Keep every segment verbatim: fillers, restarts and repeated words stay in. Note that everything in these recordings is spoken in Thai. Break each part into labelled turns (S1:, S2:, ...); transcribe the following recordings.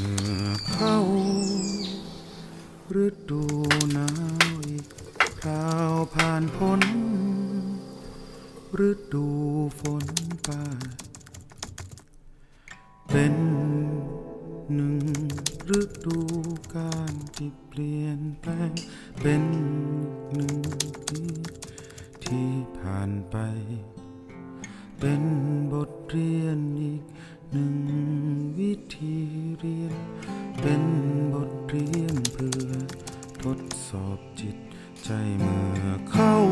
S1: เข้าฤดูหนาวอีกคราวผ่านพ้นฤดูฝนไปเป็นหนึ่งฤดูกาลที่เปลี่ยนแปลงเป็นหนึ่งปีที่ผ่านไปเป็นบทเรียนอีกหนึ่งวิธีเรียนเป็นบทเรียนเพื่อทดสอบจิตใจเมื่อเข้า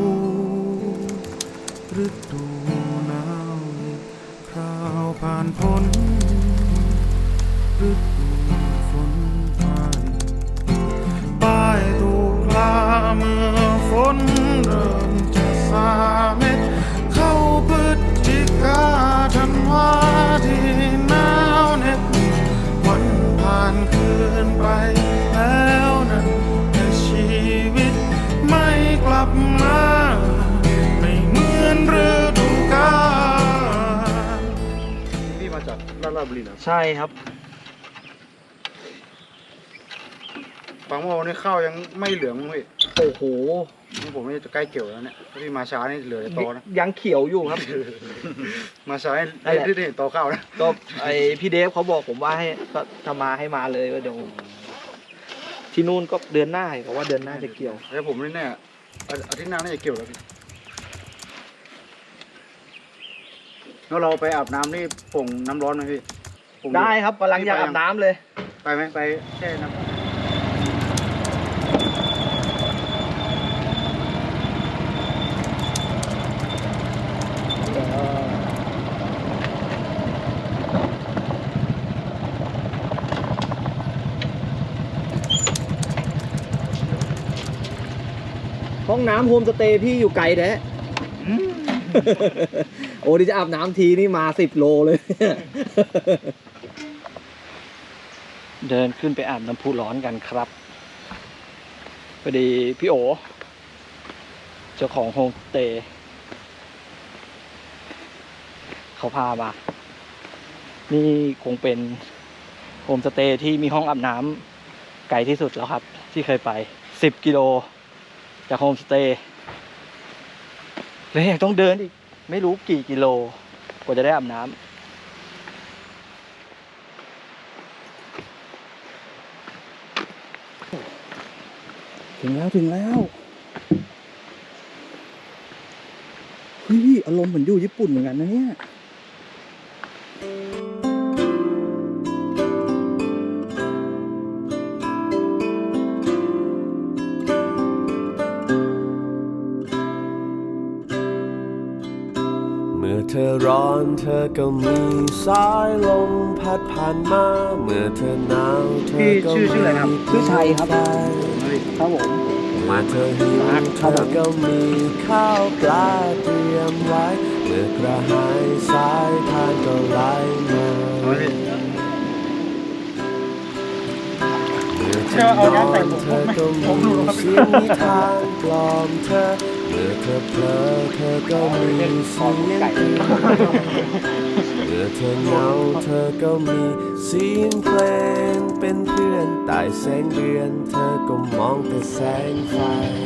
S1: ฤดูหนาวอีกคราวผ่านพ้นฤดูฝนไปป้ายถูกลาเมื่อฝนเริ่มจะสาเม็ดเข้าพฤศจิกาธันวาที่หนาวเหน็บวันผ่านคืนไปแล้วนั้นแต่ชีวิตไม่กลับมาไม่เหมือนฤดูกาลพี่มาจากราชบุรีนะ
S2: ใช่ครับ
S1: ฟังว่าวันนี้ข้าวยังไม่เหลืองเลย
S2: โอ้โห
S1: นี่ผมนี่จะใกล้เกี่ยวแล้วเนี่ยพี่มาช้านี่เหลือโตนะ
S2: ยังเขียวอยู่ครับ
S1: มาช้าได้ได้โตข้าวนะ
S2: ก็ไอพี่เดฟเขาบอกผมว่าให้ก็ทำมาให้มาเลยว่าเดี๋ยวที่นู่นก็เดือนหน้าเพราะว่าเดือนหน้าจะเกี่ยว
S1: แล้วผมนี่เนี่ยอาทิตย์หน้าน่าจะเกี่ยวแล้วแล้วเราไปอาบน้ำนี่ผงน้ำร้อนไหมพี่
S2: ได้ครับกำลังอยากอาบน้ำเลย
S1: ไปไหมไปแช่น้ำ
S2: ห้องน้ำโฮมสเตย์พี่อยู่ไกลแท้โอ้ดิจะอาบน้ำทีนี่มาสิบโลเลยเดินขึ้นไปอาบน้ำพุร้อนกันครับพอดีพี่โอเจ้าของโฮมสเตย์เขาพามานี่คงเป็นโฮมสเตย์ที่มีห้องอาบน้ำไกลที่สุดแล้วครับที่เคยไปสิบกิโลจากโฮมสเตย์เลยยังต้องเดินอีกไม่รู้กี่กิโลกว่าจะได้อาบน้ำถึงแล้วถึงแล้วเฮ้ยอารมณ์เหมือนอยู่ญี่ปุ่นเหมือนกันนะเนี่ย
S3: เมื่อเธอร้อนเธอก็มีสายลมพัดผ่านมาเมื่อเธอหนาวเธอก็มี
S2: ชื่อชัยครับครับผม
S3: มาเธอหิวเธอก็มีข้าวปลาเตรียมไว้เมื่อกระหายสายทานก็ไหลมาเมื่อเธอนอนเธอก็มีเสียงนิทานกล่อมเธอเมื่อเธอเพลอเธอก็มีเสียงเพลงเมื่อเธอเหงาเธอก็มีเสียงเพลงเป็นเพื่อนใต้แสงเดือนเธอก็มองแต่แสงไฟ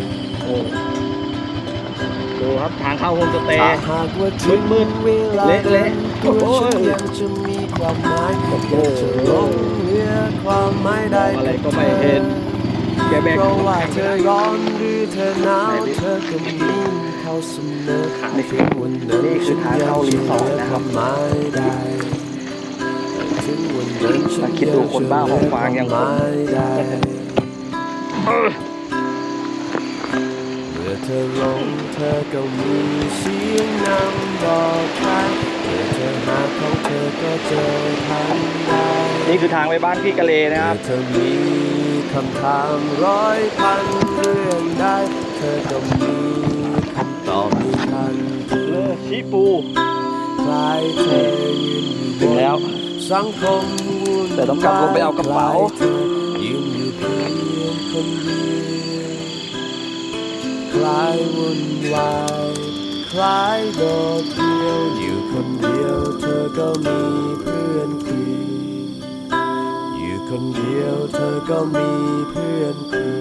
S2: ดูครับทางเข้าโฮมสเตย์
S3: ถ้าหากว่าถึงมืดเวลา
S2: เละๆ
S3: ตัวฉันยังจะมีความหมายอยากจะลงเรือความหมายได้
S2: อะไรก็ไม่เห็น
S3: เพราะว่าเธอร้อนหรือเธอหนาวเธอก็มีเขาเสมอถึงวันนั้นฉันยังจะมีความหมายได้ถึงวันนั้นฉันยังจะมีความหมายได้เมื่อเธอลงเธอก็มีเสียงนำบอกทางเมื่อเธอหาของเธอก็เจอทันได้
S2: นี่คือทางไปบ้านพี่กะเลนะครับ
S3: เธอมีคำถามร้อยพันเรื่องได้เธอก็มีคำตอบมีทันที
S2: ชิปู
S3: คลายเธอยืนอยู่
S2: ถึงแล้ว
S3: สังคมวุ่น
S2: แต่ต้องกลับลงไปเอากระเป๋า
S3: ยืนอยู่เพียงคนเดียวคลายวุ่นวายคลายโดดเดี่ยวอยู่คนเดียวเธอก็มีเพื่อนคุยอยู่คนเดียวเธอก็มีเพื่อนคุย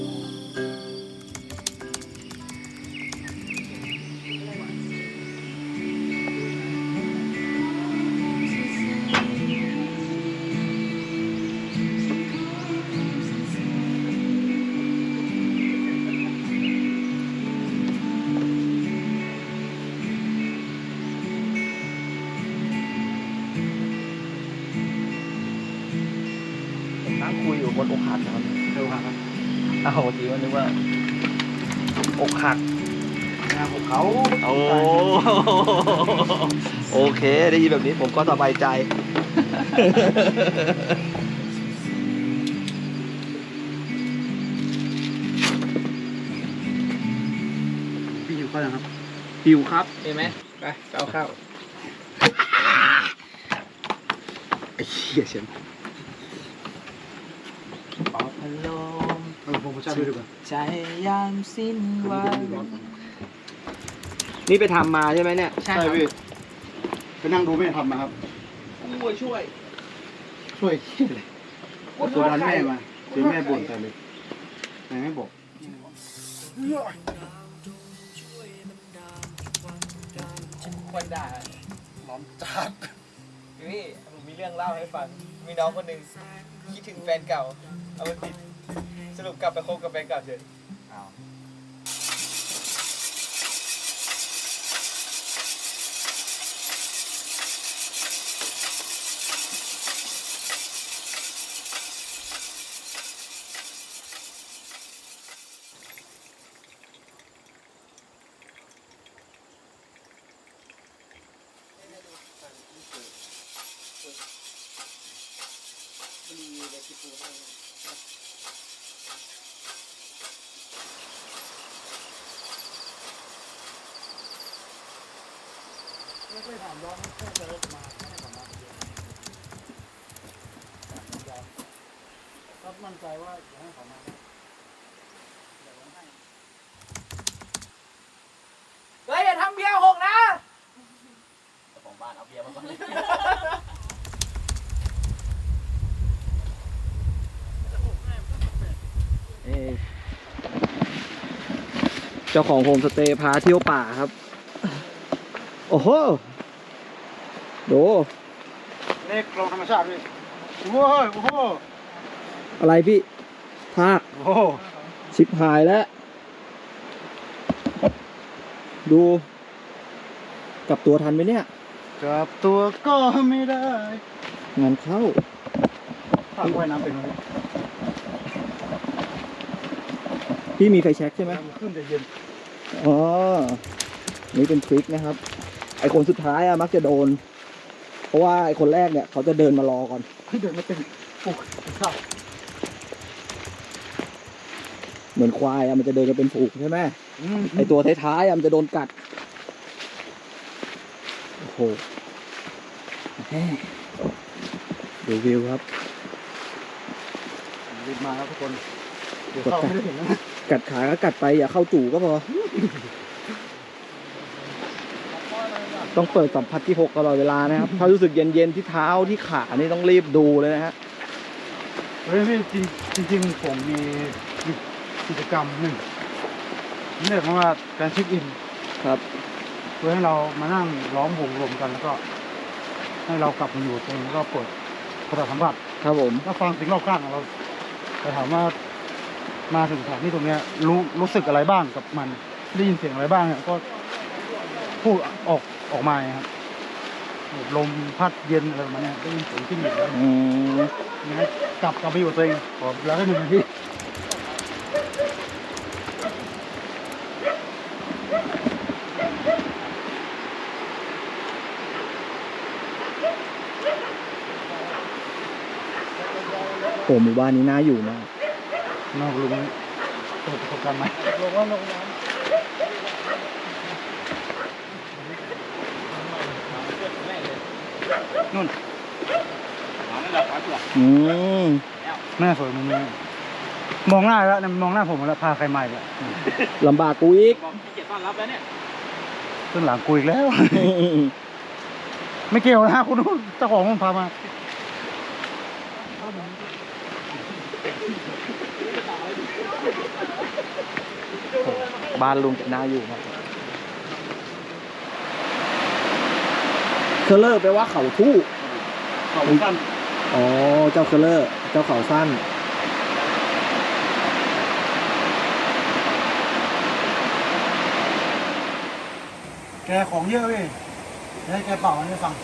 S2: ผมนั่งคุยอยู่บนอกหักนะครับเร็วครับอ้าวเมื่อกี้ว่านึกว่าอกหักงานของเขาโอ้โอเคได้ยินแบบนี้ผมก็สบายใจ
S1: พี่หิวข้าวยังครับ
S2: หิวครับเห็นไหมไปเอาข้าวไอ้เหี้ยเชียงปอบพัดลม
S1: เออผมมาชาด้วยดีกว่า
S2: ใจยามสิ้นวันนี่ไปทำมาใช่ไหมเนี่ย
S1: ใช่พี่ไปนั่งดูไม่ได้ทำมาครับ
S2: ช่วยช่วย
S1: ช่วยขี้เลยตัวร้านแม่มาเดี๋ยวแม่บ่นแต่เลยแม่ไม่บอก
S2: คนด่าล้อมจัดพี่ผมมีเรื่องเล่าให้ฟังมีน้องคนหนึ่งคิดถึงแฟนเก่าเอามาติดสรุปกลับไปคบกับแฟนเก่าเฉย
S1: ไม่เคยถามร้องแค่จะรถมาไม่ได้ถามมาเดียวก็มั่นใจว่าจะให้เขามาเดี๋ยวให้
S2: เฮ้ยอย่าทำเบียร์หกนะ
S4: ของบ้านเอาเบียร์มาก่อน
S2: เจ้าของโฮมสเตย์พาเที่ยวป่าครับ โอ้โหดู
S1: เลขกลองธรรมชาติพี่โอ้โหโอ้โห
S2: อะไรพี่ทาก
S1: โอ้โห
S2: ชิบหายแล้ว ดูกลับตัวทันไหมเนี่ย
S1: กลับตัวก็ไม่ได้
S2: งานเข้า
S1: ถ้าว่ายน้ำเป็นไหม
S2: พี่มีไฟแช็กใช่ไหม
S1: น้ำขึ้นแต่เย็น
S2: อ๋อ นี่เป็นทริคนะครับ ไอคนสุดท้ายอะมักจะโดน เพราะว่าไอคนแรกเนี่ยเขาจะเดินมารอก่อน
S1: ที่เดินไม่เป็นปลุกข้าว
S2: เหมือนควายอะมันจะเดินกันเป็นฝูงใช่ไหม
S1: อืม
S2: ไอตัวท้ายๆอะมันจะโดนกัด โอ้โหแม่ดูวิวครับ
S1: รีบมาแล้วทุกคนเดี๋ยวเข้าไม่ได้เห็นแล้วนะ
S2: กัดขาก็กัดไปอย่าเข้าจู่ก็พอ ต้องเปิดสัมผัสที่หกตลอดเวลานะครับ ถ้ารู้สึกเย็นๆที่เท้าที่ขานี่ต้องรีบดูเลยนะฮะ
S1: เฮ้ยพี่จริงจริงๆผมมีกิจกรรมหนึ่งนี่เรียกว่าการเช็คอิน
S2: ครับ
S1: เพื่อให้เรามานั่งล้อมวงรวมกันแล้วก็ ให้เรากลับมาอยู่ตรงนี้ก็เปิดประสาทสัมผัส
S2: ครับผม
S1: แล้วฟังสิ่งรอบข้างของเราแต่ถามว่ามาถึงสถานที่ตรงเนี้ยรู้รู้สึกอะไรบ้างกับมันได้ยินเสียงอะไรบ้างเนี่ยก็พูดออกออกมาไงครับลมพัดเย็นอะไรประมาณเนี้ยได้ยินเสียงที่หนึ่งแล้ว
S2: อืม
S1: ยังไงกลับกลับไปอยู่กับตัวเองขอแล้วให้หนึ่งนาที
S2: โอ้หมู่บ้านนี้น่าอยู่มาก
S1: นอกลุงเปิดประสบการณ์ใหม่ลงว่าลงน้ำนู่น
S2: อืม
S1: แม่สวยมุมนี้มองหน้าแล้วเนี่ยมองหน้าผมแล้วพาใครใหม่แล้ว
S2: ลำบากกูอีก
S4: บอกเกียรติต้อนรับแล้วเนี่ย
S1: ขึ้นหลังกูอีกแล้ว ไม่เกี่ยวนะคุณนู้นเจ้าของมันพามา
S2: บ้านลุงจะน่าอยู่มากเคอร์เลอร์แปลว่าเขาทู่
S4: เขาสั้น
S2: อ๋อ เจ้าเคอร์เลอร์ เจ้าเขาสั้น
S5: แกของเยอะเว้ยให้แกเป่าให้ฟัง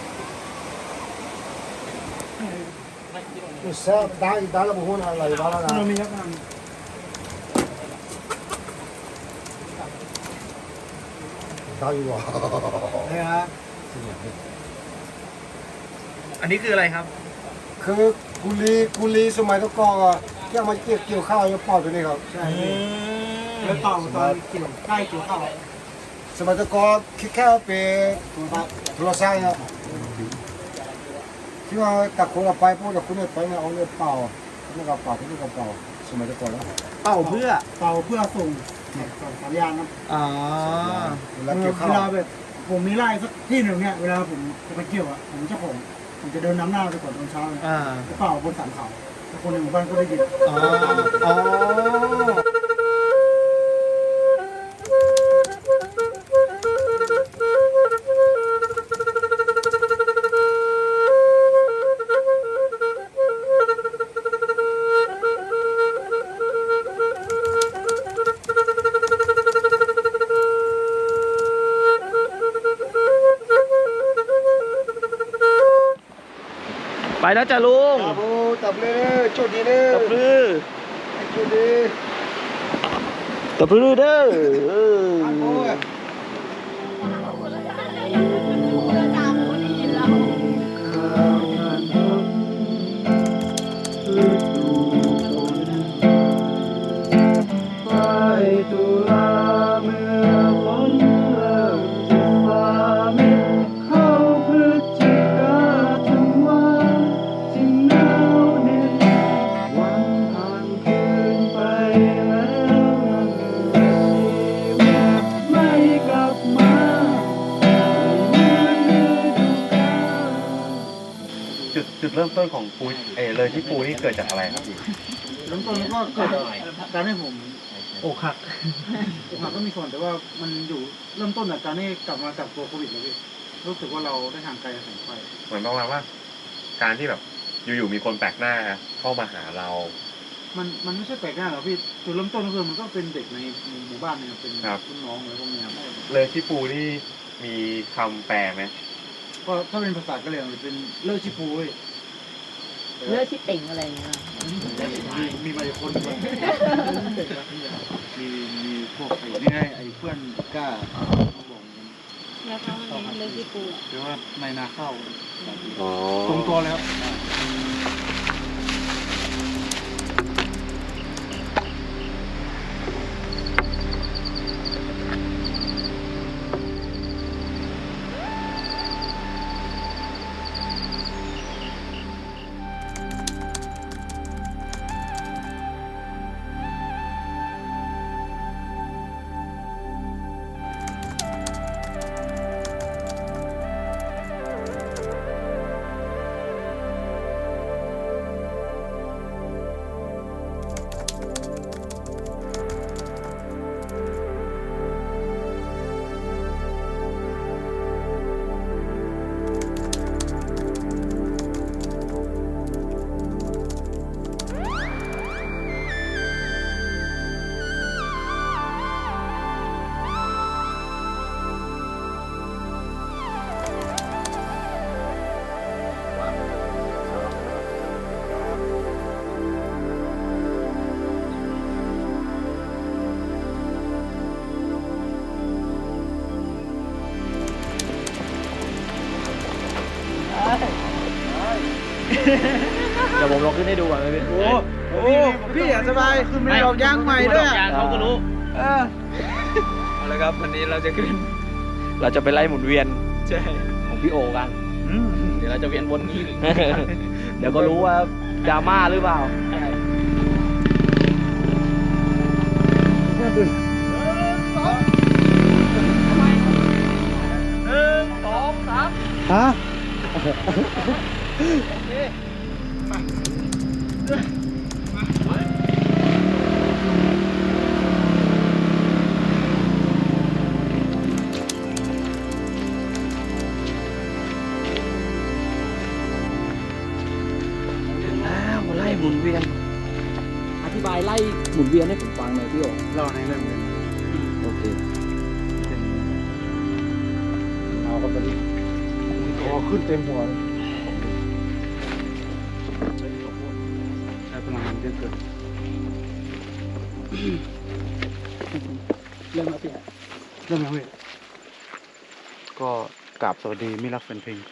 S3: Isa, dahil dala mo huna ang layo, wala
S5: เรา
S3: na.
S5: มีครับทาง
S3: Tayo ah.
S5: นี่ฮะ
S2: อันนี้คืออะไรครับ
S3: คือกุลีกุลีสมัยตะกอนอะที่เอามาเกี่ยวเกี่ยวข้าวจะเป่าตัวนี้ครับ
S5: ใช่แล้วเป่าตอนเกี่ยวใกล้เกี่ยวข้าว
S3: สมัยตะกอนคิดแค่เป็นโทรศัพท์ครับที่ว่าตักคนละไปพวกแต่คุณเนี่ยไปเนี่ยเอาเนี่ยเป่าคุณเนี่ยก็เป่าคุณเนี่ยก็เป่าสมัยตะกอนแล้ว
S2: เป่าเพื่อ
S5: เป่าเพื่อส่งส่งสัญญาณนะ
S2: อ๋อ
S3: เวลาเกี่ยวข้า
S5: เวลาว แบบผมมีไร่สักที่หนึ่งเนี่ยเวลาผมจะไปเกี่ยวอ่ะผมเจ้าของผมจะเดินนำหน้าไปก่อนตอนเช้าเลย
S2: อ่า
S5: เป่าบนสันเขาแล้วคนในหมู่บ้านก็ได้ยิน
S2: อ๋อ อ๋อ ไปแล้วจ้ะลุง
S3: ครับผมตับเลยโชคดีเลย
S2: ตะพรือ
S3: โชคดี
S2: ตะพรือเด้อเออ
S3: โอ้ย
S2: ไปตุลาเมื่อฝนเริ่มจะฟ้ามิดเข้าพฤศจิกาธันวาจึงหนาวเหน็บวันผ่านคืนไปแล้วนั่นแหละชีวิตไม่กลับมาเหมือนฤดูกาล
S6: จุดจุดเริ่มต้นของปูเออเลยที่ปูนี่เกิดจากอะไรครับพี่
S5: เริ่มต้นก็เกิดจากการให้ผม
S2: อกหัก
S5: อกหักก็มีส่วนแต่ว่ามันอยู่เริ่มต้นจากการที่กลับมาจากตัวโควิดนะพี่รู้สึกว่าเราได้ห่างไกลจากแสงไฟ
S6: เหมือนประมาณว่า การที่แบบอยู่ๆมีคนแปลกหน้าเข้ามาหาเรา
S5: มันมันไม่ใช่แปลกหน้าหรอกพี่จุดเริ่มต้นก็คือมันก็เป็นเด็กในหมู่บ้านเนี่ยเป็น
S6: ครับ
S5: รุ่นน้องอะไรพวกเนี้ยครับ
S6: เลยที่ปูนี่มีคำแปลไหม
S5: ก็ถ้าเป็นภาษากะเหรี่ยงจะเป็นเลิกชิปูเว้ย
S7: เลือดที่เต่งอะไรอย่างเงี้ย
S5: มีมีมาอีกคนหนึ่งมีมีพวกไอ้นี่ไงไอ้เพื่อนกล้าเขาบอกกัน
S7: แล้วเขามันเลือดที่ปูอะ
S5: หรือว่าในนาข้าว
S6: อ๋อ
S5: ตรงตัวเลยครับ
S2: เดี๋ยวผมลองขึ้นให้ดูก่อนเลยพี่
S5: โอ้โหพี่อยากสบายคือมีดอกยางใหม่ด้วย
S4: ยางเขาก็รู้
S5: เออ
S2: เอาละครับวันนี้เราจะขึ้น เราจะไปไล่หมุนเวียนใช่ของพี่โอกัน
S4: เดี๋ยวเราจะเวียนวนนี้
S2: เดี๋ยวก็รู้ว่าดราม่าหรือเปล่า
S5: ฮะ
S2: มุนเวียน อธิบายไล่หมุนเวียนให้ผมฟังหน่อยพี่โอ๋
S5: เล่าในเรื่องเลย
S2: โอเค
S5: เอาก็ตอนนี้คอขึ้นเต็มหัวเลยใช้พลังงานเยอะเกิน
S2: เรื่องมาพี่
S5: เรื่องอะไรก็กราบสวัสดีมิตรรักแฟนเพลง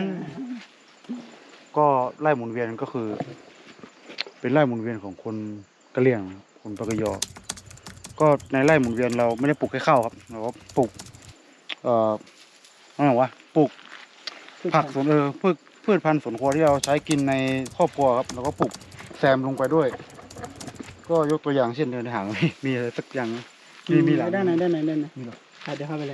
S5: ก็ไล่หมุนเวียนก็คือ เป็นไล่หมุนเวียนของคนกะเหรี่ยงคนปากยอ ก็ในไล่หมุนเวียนเราไม่ได้ปลูกแค่ข้าวครับเราก็ปลูก เอ่ออะไรวะปลูกผักสวนเออพืชพืชพันธุ์สวนครัวที่เราใช้กินในครอบครัวครับแล้วก็ปลูกแซมลงไปด้วย ก็ยกตัวอย่างเช่นเดินในหาง มีมีอะไรสักอย่างไหมมีมีหลาย
S2: ด้านไหนด้านไหนด้านไหน
S5: มีหรอ
S2: เดี๋ยวเข้าไปเลย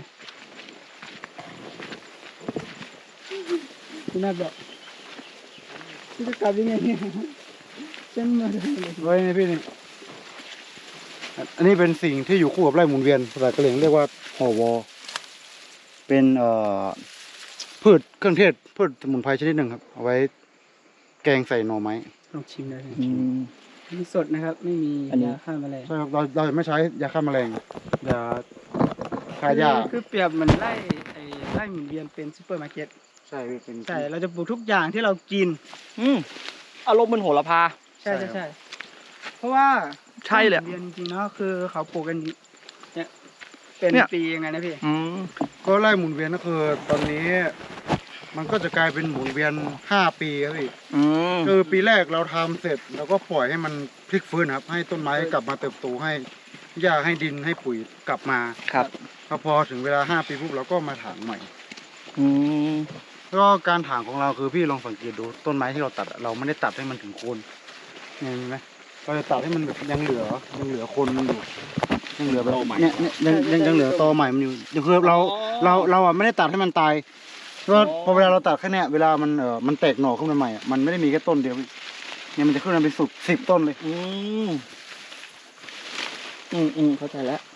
S2: พี่นัทบอกพี่จะกลับยังไงเนี่ยเส้นมาเลย
S5: ไว้นี่พี่นี่อันนี้เป็นสิ่งที่อยู่คู่กับไร่หมุนเวียนภาษากะเหรี่ยงเรียกว่าห่อวอ เป็นเอ่อพืชเครื่องเทศพืชสมุนไพรชนิดหนึ่งครับ เอาไว้แกงใส่หน่อไม้
S2: ลองชิมได้มีสดนะครับ ไม่มียาฆ่าแมลง
S5: ใช่ครับเราเราจะไม่ใช้ยาฆ่าแมลงยาฆ่าหญ้า
S8: คือเปรียบเหมือนไร่ไอ้ไร่หมุนเวียนเป็นซูเปอร์มาร์เก็ต
S5: ใช่พี่เป็น
S8: ใช่ เราจะปลูกทุกอย่างที่เรากิน
S2: อืมอารมณ์มันโหระพา
S8: ใช่ใช่ใช่เพราะว่า
S2: ใช่เลย
S8: ไร่หมุนเวียนจริงๆเนาะคือเขาปลูกกันเนี่ยเป็น
S2: เนี่ย
S8: ปียังไงนะพี่
S2: อืม
S5: ก็ไร่หมุนเวียนก็คือตอนนี้ มันก็จะกลายเป็นหมุนเวียนห้าปีครับพี่
S2: อืม
S5: คือปีแรกเราทำเสร็จแล้วก็ปล่อยให้มันพลิกฟื้นครับ ให้ต้นไม้กลับมาเติบโตให้หญ้าให้ดินให้ปุ๋ยกลับมา
S2: ครับ
S5: แล้วพอถึงเวลาห้าปีปุ๊บเราก็มาถางใหม่
S2: อืม
S5: แล้วก็การถางของเราคือพี่ลองสังเกตดูต้นไม้ที่เราตัดอะเราไม่ได้ตัดให้มันถึงโคนเนี่ยเห็นไหมเราจะตัดให้มันแบบยังเหลือยังเหลือโคนมันอยู่ยังเหลือแบบเนี่ยเนี่ยยังยังยังเหลือตอใหม่มันอยู่ยังคือเราเราเราอ่ะไม่ได้ตัดให้มันตายเพราะว่าพอเวลาเราตัดแค่เนี้ยเวลามันเออมันแตกหน่อขึ้นมาใหม่อะมันไม่ได้มีแค่ต้นเดียวเนี่ยมันจะขึ้นมาเป็นสิบสิบต้นเลย
S2: อืมอืมอืมเข้าใจแล้ว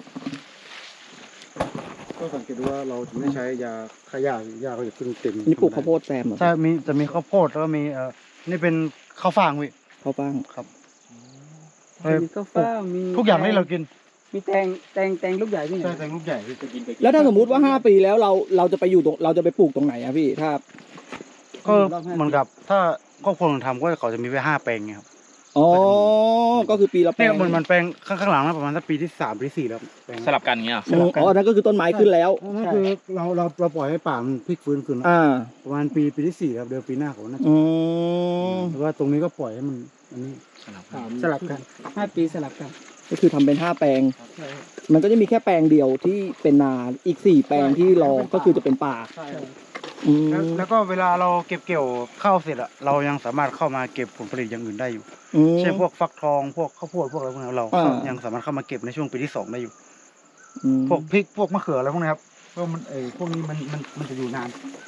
S5: ก็สังเกตดูว่าเราจะไม่ใช้ยาฆ่าหญ้าหญ้าก็จะขึ้นเต็ม
S2: นี่ปลูกข้าวโพดแซมเหรอ
S5: ใช่มีจะมีข้าวโพดแล้วก็มีเอ่อนี่เป็นข้าวฟ่างพี่
S2: ข้าวฟ่าง
S5: ครับ
S8: มีข้าวฟ่างมี
S5: ทุกอย่างที่เรากิน
S8: มีแตงแตงแตงลูกใหญ่ที่ไหน
S5: ใช่แตงลูกใหญ่พี่
S2: แล้วถ้าสมมุติว่าห้าปีแล้วเราเราจะไปอยู่ตรงเราจะไปปลูกตรงไหนอะพี่ถ้า
S5: ก็เหมือนกับถ้าครอบครัวผมทำก็เขาจะมีไว้ห้าแปลงไงครับ
S2: อ๋อก็คือปีละแปล
S5: เนี่ย
S2: ง
S5: มันมันแปลงข้างข้างหลังนะประมาณสักปีที่สามปีที่สี่แล้วแปลง
S4: สลับกันเงี้ยเหรอ
S2: อืมอ๋ออันนั้นก็คือต้นไม้ขึ้นแล้ว
S5: นั่นคือเราเราเราปล่อยให้ป่ามันพลิกฟื้นคืน
S2: อ่า
S5: ประมาณปีปีที่สี่ครับเดือนปีหน้าเขาน่าจะ
S2: อืม
S5: แต่ว่าตรงนี้ก็ปล่อยให้มันอันนี้
S8: สลับกันห้าปีสลับกัน
S2: ก็คือทำเป็นห้าแปลง มันก็จะมีแค่แปลงเดียวที่เป็นนาอีกสี่แปลงที่รอก็คือจะเป็นป่า
S5: ใช่
S2: อืม
S5: แล้วแล้วก็เวลาเราเก็บเกี่ยวข้าวเสร็จอะเรายังสามารถเข้ามาเก็บผลผลิตอย่างอื่นได้อยู่
S2: อืม
S5: เช่นพวกฟักทองพวกข้าวโพดพวกอะไรพวกนี้เรา
S2: อ่า
S5: ยังสามารถเข้ามาเก็บในช่วงปีที่สองได้อยู่
S2: อืม
S5: พวกพริกพวกมะเขืออะไรพวกนี้ครับเพราะมันเออพวกนี้มันมันมันจะอยู่นาน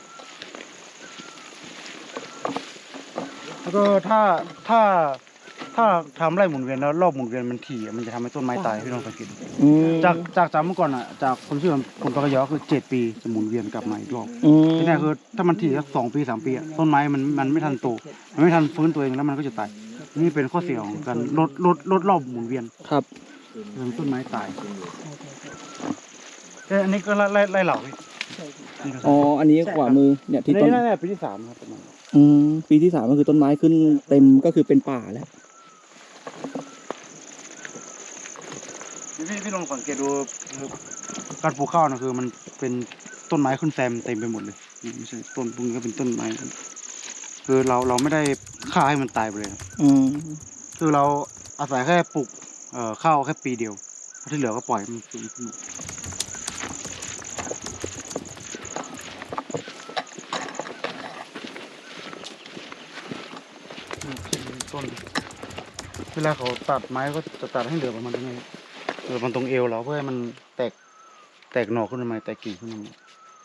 S5: แล้วก็ถ้าถ้าถ้าทำไร่หมุนเวียนแล้วรอบหมุนเวียนมันถี่อะมันจะทำให้ต้นไม้ตายพี่ลองสังเกตดู
S2: อืม
S5: จากจากจากเมื่อก่อนอ่ะจากคนชื่อคนปากกยอคือเจ็ดปีจะหมุนเวียนกลับมาอีกรอบ
S2: อืม
S5: ที่นี่คือถ้ามันถี่สักสองปีสามปีอะต้นไม้มันมันไม่ทันโตมันไม่ทันฟื้นตัวเองแล้วมันก็จะตายนี่เป็นข้อเสียของการลดลดลดรอบหมุนเวียน
S2: ครับ
S5: ทำให้ต้นไม้ตายแต่อันนี้ก็ไล่ไล่ไล่เหล่าพี่
S2: อ๋ออันนี้ขวามือเนี่ย
S5: ที่
S2: ที่
S5: ต้
S2: ต้
S5: น
S2: น
S5: นี่น่าจะปีที่สามครับประมาณ
S2: อืมปีที่สามก็คือต้นไม้ขึ้นเต็มก็คือเป็นป่าแล้ว
S5: พี่พี่ลองสังเกตดูคือการปลูกข้าวนะคือมันเป็นต้นไม้ขึ้นแซมเต็มไปหมดเลยนี่ไม่ใช่ต้นพวกนี้ก็เป็นต้นไม้คือเราเราไม่ได้ฆ่าให้มันตายไปเลยครับ
S2: อืม
S5: คือเราอาศัยแค่ปลูกเอ่อข้าวแค่ปีเดียวที่เหลือก็ปล่อยมันฟื้นขึ้นมาต้นเวลาเขาตัดไม้ก็จะตัดให้เหลือประมาณตรงนี้เหลือมันตรงเอวเราเพื่อให้มันแตกแตกหน่อขึ้นมาใหม่แตกกิ่งขึ้นมาใหม่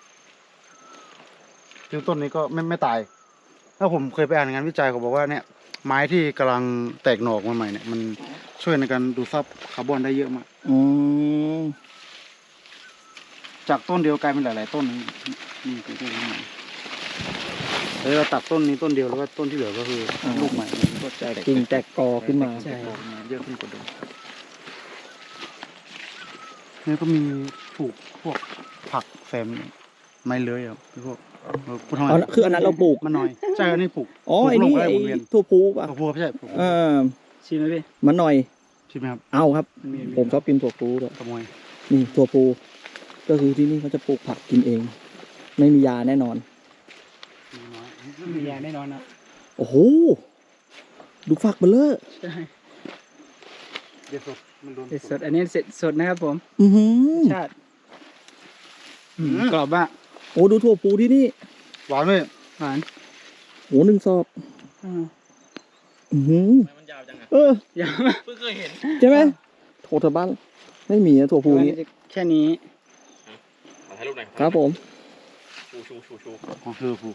S5: คือต้นนี้ก็ไม่ไม่ตายถ้าผมเคยไปอ่านงานวิจัยเขาบอกว่าเนี่ยไม้ที่กำลังแตกหน่อออกมาใหม่เนี่ยมันช่วยในการดูดซับคาร์บอนได้เยอะมาก
S2: อืม
S5: จากต้นเดียวกลายเป็นหลาย ๆ ต้นนี่นี่คือต้นนี้แล้วเราตัดต้นนี้ต้นเดียวแล้วก็ต้นที่เหลือก็คือลูกใหม่
S2: แตกกิ่งแตกกอขึ้นมา
S8: ใช่
S5: เยอะขึ้นกว่าเดิมนี่ก็มีปลูกพวกผักแซมไม้เลื้อยครับพวกเออพูดทำไม
S2: อ๋อคืออันนั้นเราปลูก
S5: มันน้อยใช่อันนี้ปลูก
S2: อ๋อ
S5: ปลูก
S2: ไอ้
S5: ลง
S2: นี่
S5: ไป
S2: ไอ้
S5: วนเวียน
S2: ถั่วพูป่ะ
S5: ปลูกพวกไม่ใช่ปลูก
S2: เออ
S8: ชิมไหมพี่
S2: มันหน่อย
S5: ใช่ไหมครับ
S2: เอาครับ ผมชอบกินถั่วพูด้วย
S5: ขโมย
S2: นี่ถั่วพูก็คือที่นี่เขาจะปลูกผักกินเอง ไม่มียาแน่นอน
S5: น้อย
S8: มียาแน่นอนนะ
S2: โอ้โห ดูฝักเบลเลอร์
S8: ใช่
S5: เด็ดสดมันโดน
S8: เสร็จสดอันนี้เสร็จสดนะครับผม
S2: อือหือ
S8: ชาติอืมกรอบมาก
S2: โอ้ดูถั่วพูที่นี่
S5: หวานเลย
S8: หวาน
S2: โหหนึ่งซอก
S8: อืม
S2: อือหือ
S4: มันยาวจังอะ
S2: เออ
S8: ยาว
S4: เพิ่งเคยเห็น
S2: ใช่ไหมโถเธอบ้าน ไม่มีนะถั่วพูนี้
S8: แค่นี้
S6: ขอถ่ายรูปหน่อย
S2: ครับผม
S6: ชูชูชูชู
S5: ของคือผู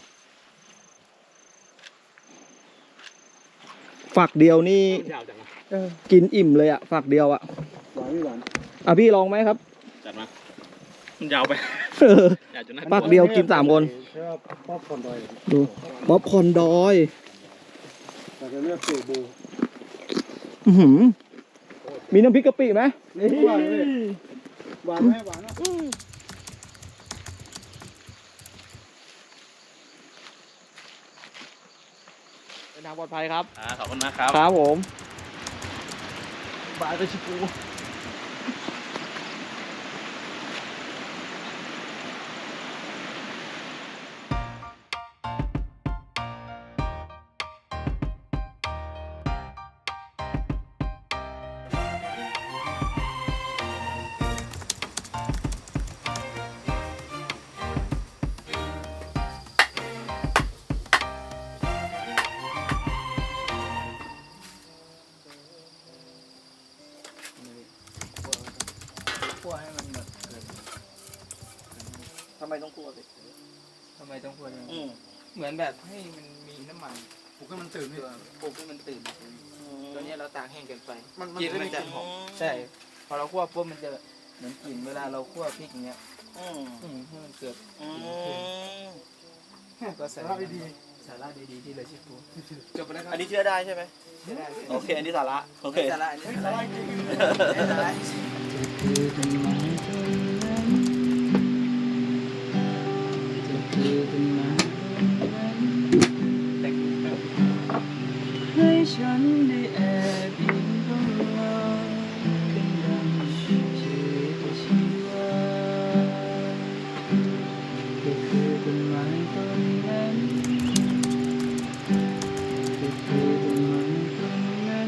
S2: ฝักเดียวนี่
S6: ยาวจังอะ
S8: เออ
S2: กินอิ่มเลยอะฝักเดียวอะ
S8: หวานไม่หวาน
S2: อ่ะพี่ลองไหมครับ
S4: จัดมา มันยาวไป
S2: เออ
S4: ยาวจนน่า
S2: ฝักเดียวกินสามคน
S5: ใช่ว่าป๊อปคอร์นดอย
S2: ดูป๊อปคอร์นดอย
S5: แต่จะเลือกสูตรบู
S2: อื้อหือมีน้ำพริกกะปิไหม
S8: นี่หวานเลยหวานไหมหวานนะ
S2: เดินทางปลอดภัยครับ
S4: อ่าขอบคุณมากครับ
S2: ครับผม
S5: บายไปชิปู
S8: คั่วให้มันแบบเกิด
S2: ทำไมต้องกลัวสิ
S8: ทำไมต้องคั่วอย่าง
S2: อื
S8: นี้
S2: ม
S8: เหมือนแบบให้มันมีน้ำมัน
S5: ปลุกให้มันตื่นนี่
S8: ตัวปลุกให้มันตื่นตัวเนี้ยเราตากแห้งเกินไป
S5: มัน
S8: กลิ่น
S5: มัน
S8: มันจะ
S5: จะหอม
S8: ใช่ พอเราคั่วปุ๊บมันจะเหมือนกลิ่นเวลาเราคั่วพริกอย่างเงี้ย
S2: อืม
S8: อืมให้มันเกิด
S2: อืม
S8: ก็สาระดีๆสาระดีๆที่เลยชิปูจบไปแล้วครับ
S2: อันนี้เชื่อได้ใช่ไหม
S8: ไม่ได้
S2: โอเค อันนี้สาระ โอเค
S8: สาระอันนี้สาระสาระให้ฉันได้แอบอิงเข้ามาเป็นดังชีวิตชีวาก็คือต้นไม้ต้นนั้นก็คือต้นไม้ต้นนั้น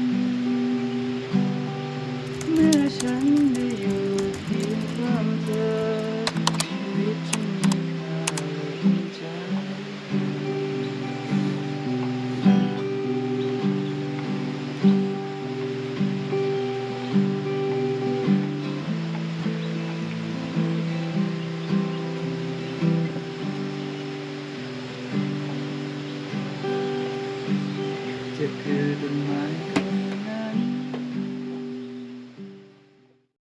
S8: เมื่อฉันได้อยู่เพียงข้างเธอชีวิตฉันมีค่าและภูมิใจ จะคือต้นไม้